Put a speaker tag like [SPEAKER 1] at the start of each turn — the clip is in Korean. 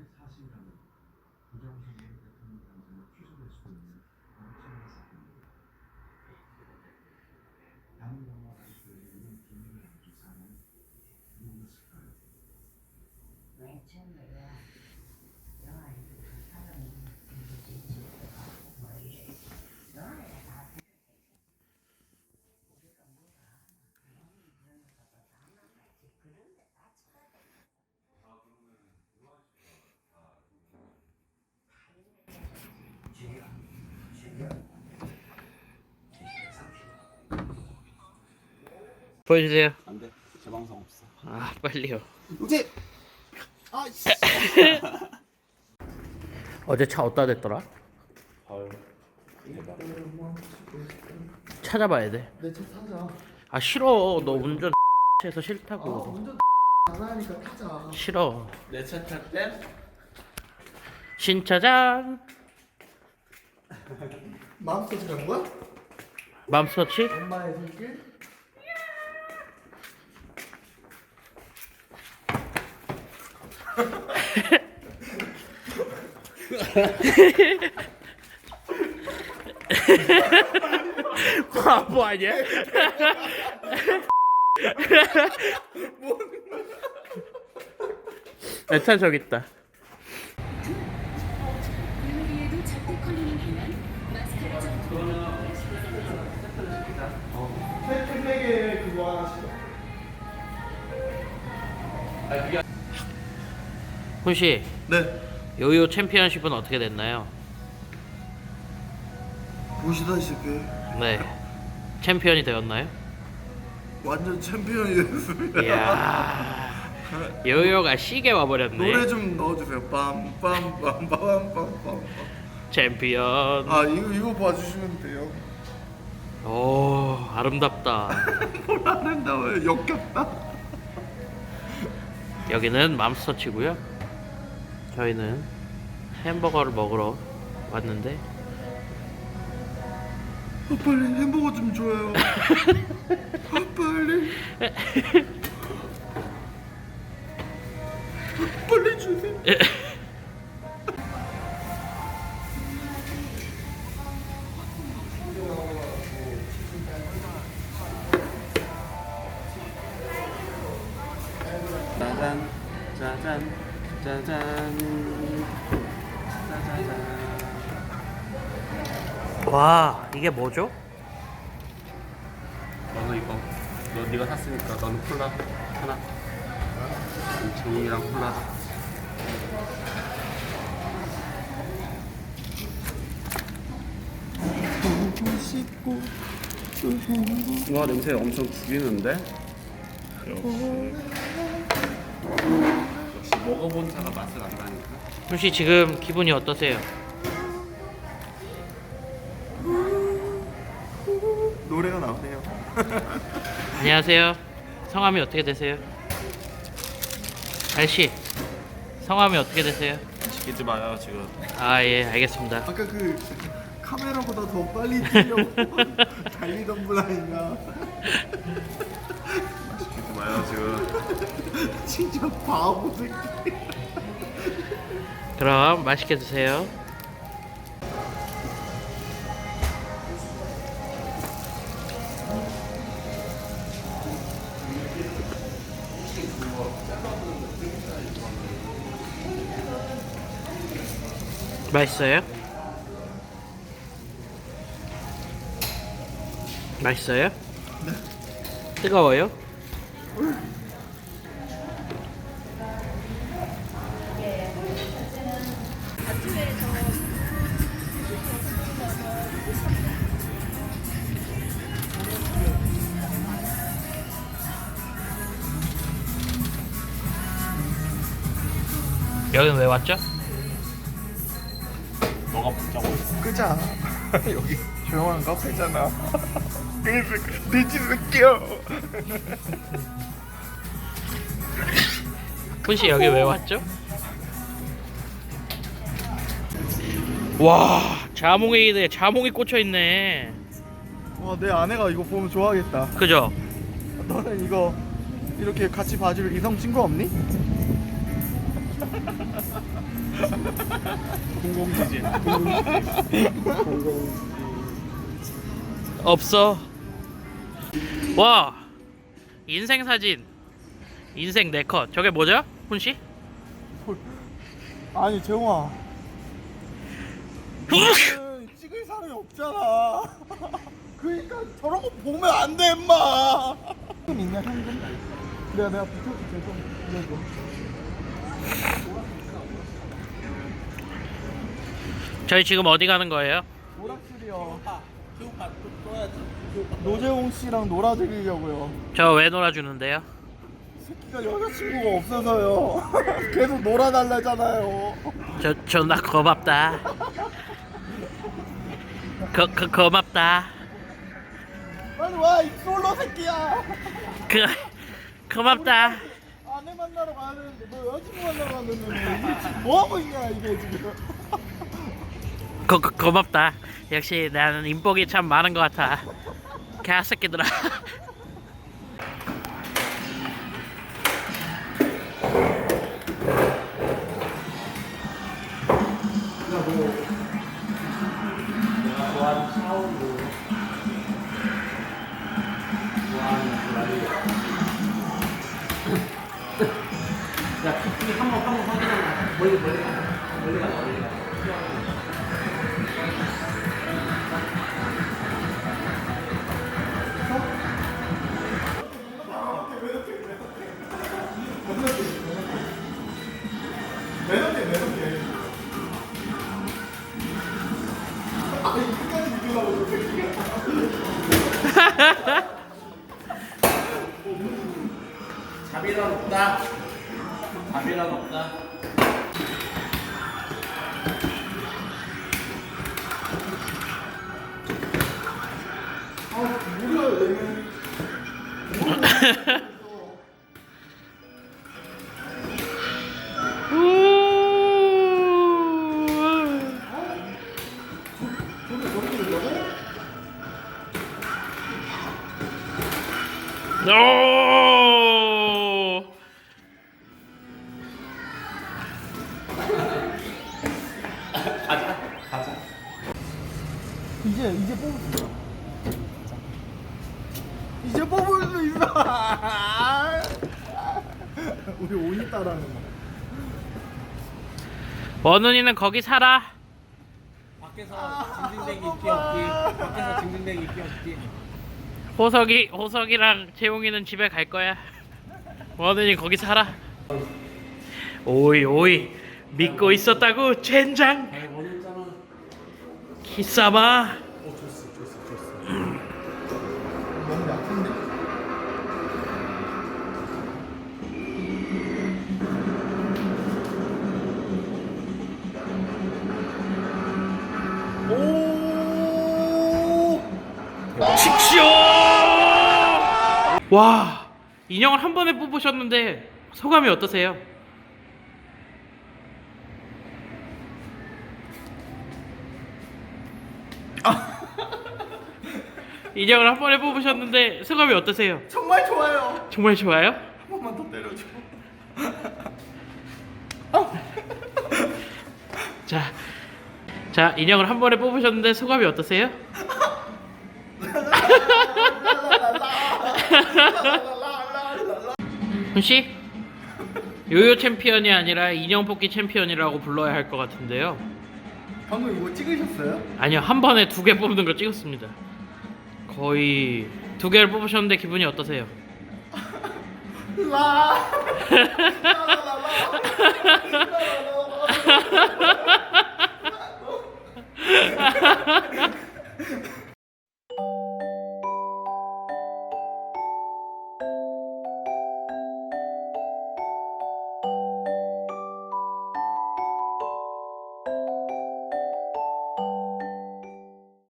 [SPEAKER 1] 보여주세요.
[SPEAKER 2] 안돼. 재방송 없어.
[SPEAKER 1] 아 빨리요.
[SPEAKER 2] 우재. 아 씨.
[SPEAKER 1] 어제 차 어디다 댔더라?
[SPEAKER 2] 헐.
[SPEAKER 1] 찾아봐야 돼.
[SPEAKER 3] 내 차 타자.
[SPEAKER 1] 아 싫어. 너 운전 해서
[SPEAKER 3] 아,
[SPEAKER 1] 싫다고.
[SPEAKER 3] 운전 안 하니까 타자.
[SPEAKER 1] 싫어.
[SPEAKER 2] 내 차 탈 때?
[SPEAKER 1] 신차장
[SPEAKER 3] 마음껏 간 거야?
[SPEAKER 1] 맘스터치?
[SPEAKER 3] 엄마의 손길?
[SPEAKER 1] 바보 아니야? 내 차 저기 있다.
[SPEAKER 4] 유리에도 적대 컬링이 되면 마스카라
[SPEAKER 3] 팩팩에 그거 하나씩.
[SPEAKER 1] 훈씨,
[SPEAKER 3] 네.
[SPEAKER 1] 요요 챔피언십은 어떻게 됐나요?
[SPEAKER 3] 보시다시피
[SPEAKER 1] 네. 챔피언이 되었나요?
[SPEAKER 3] 완전 챔피언이 됐습니다.
[SPEAKER 1] 이야. 요요가 시계 와버렸네.
[SPEAKER 3] 노래 좀 넣어주세요. 빰빰빰빰빰빰빰.
[SPEAKER 1] 챔피언.
[SPEAKER 3] 아 이거 봐주시면 돼요.
[SPEAKER 1] 오 아름답다.
[SPEAKER 3] 뭘 아름다워요. 역겹다.
[SPEAKER 1] 여기는 맘스터치고요. 저희는 햄버거를 먹으러 왔는데
[SPEAKER 3] 빨리 햄버거 좀 줘요. 빨리. 빨리 주세요.
[SPEAKER 2] 짜잔, 짜잔, 짜잔, 짜자잔.
[SPEAKER 1] 와 이게 뭐죠?
[SPEAKER 2] 너도 이거. 너 네가 샀으니까 너는 콜라 하나. 종이랑 콜라. 와 냄새 엄청 죽이는데? 역시 먹어본 차가 맛을 안다니까.
[SPEAKER 1] 훈씨 지금 기분이 어떠세요?
[SPEAKER 3] 노래가 나오네요.
[SPEAKER 1] 안녕하세요. 성함이 어떻게 되세요? 알씨 성함이 어떻게 되세요?
[SPEAKER 2] 시키지 마요 지금.
[SPEAKER 1] 아 예 알겠습니다.
[SPEAKER 3] 아까 그 카메라보다 더 빨리 뛰려고 달리던 분 아닌가?
[SPEAKER 2] 시키지 마요 지금.
[SPEAKER 3] 진짜 바보 새끼.
[SPEAKER 1] 그럼 맛있게 드세요. 맛있어요? 맛있어요? 네. 뜨거워요? 여긴 왜 왔죠?
[SPEAKER 2] 너가 붙자고 있어.
[SPEAKER 3] 끄자. 여기 조용한 카페잖아. 그래서 돼지 새끼야.
[SPEAKER 1] 훈씨 여기 왜 왔죠? 와 자몽에 자몽이 꽂혀있네.
[SPEAKER 3] 와, 내 아내가 이거 보면 좋아하겠다.
[SPEAKER 1] 그죠?
[SPEAKER 3] 너는 이거 이렇게 같이 봐줄 이성 친구 없니?
[SPEAKER 2] 공공지진.
[SPEAKER 1] 없어. 와, 인생 사진, 인생 네컷. 저게 뭐죠, 훈 씨?
[SPEAKER 3] 아니 재홍아 너는 찍을 사람이 없잖아. 그러니까 저런 거 보면 안 돼 임마. 현금 있냐 현금? 내가 붙여줄게 좀 이거.
[SPEAKER 1] 저희 지금 어디 가는 거예요?
[SPEAKER 3] 오락실이요. 노재홍 씨랑 놀아드리려고요.
[SPEAKER 1] 저 왜 놀아주는데요?
[SPEAKER 3] 새끼가 여자친구가 없어서요. 계속 놀아달라잖아요.
[SPEAKER 1] 저 존나 고맙다. 고맙다.
[SPEAKER 3] 빨리 와 이 솔로 새끼야.
[SPEAKER 1] 고맙다.
[SPEAKER 3] 아내 만나러 가야 되는데 너 여자친구 만나러 갔는데 지금 뭐 하고 있냐 이게 지금.
[SPEAKER 1] 고맙다. 역시 나는 인복이 참 많은 것 같아. 개새끼들아.
[SPEAKER 2] 잡이란 없다. 잡이란 없다.
[SPEAKER 1] 오!
[SPEAKER 2] 가자.
[SPEAKER 3] 이제 뽑을 수 있어. 이제 뽑을 수 있어. 우리 오니 따라하는 거.
[SPEAKER 1] 원훈이는 거기 살아.
[SPEAKER 2] 밖에서 징징대기 있기 없기. 밖에서 징징대기 있기 없기.
[SPEAKER 1] 호석이랑 재용이는 집에 갈 거야. 원훈이 거기 살아. 오이 믿고 있었다고 젠장.
[SPEAKER 2] 원했잖아.
[SPEAKER 1] 기싸마.
[SPEAKER 2] 줬어.
[SPEAKER 3] 너무 약한데? 오!
[SPEAKER 1] 칙쇼! 와, 인형을 한 번에 뽑으셨는데 소감이 어떠세요? 인형을 한 번에 뽑으셨는데 소감이 어떠세요?
[SPEAKER 3] 정말 좋아요.
[SPEAKER 1] 정말 좋아요?
[SPEAKER 3] 한 번만 더 때려줘.
[SPEAKER 1] 자, 인형을 한 번에 뽑으셨는데 소감이 어떠세요? 훈씨? 요요 챔피언이 아니라 인형 뽑기 챔피언이라고 불러야 할 것 같은데요.
[SPEAKER 3] 방금 이거 찍으셨어요?
[SPEAKER 1] 아니요, 한 번에 2개 뽑는 거 찍었습니다. 거의 2개를 뽑으셨는데 기분이 어떠세요?
[SPEAKER 3] 라.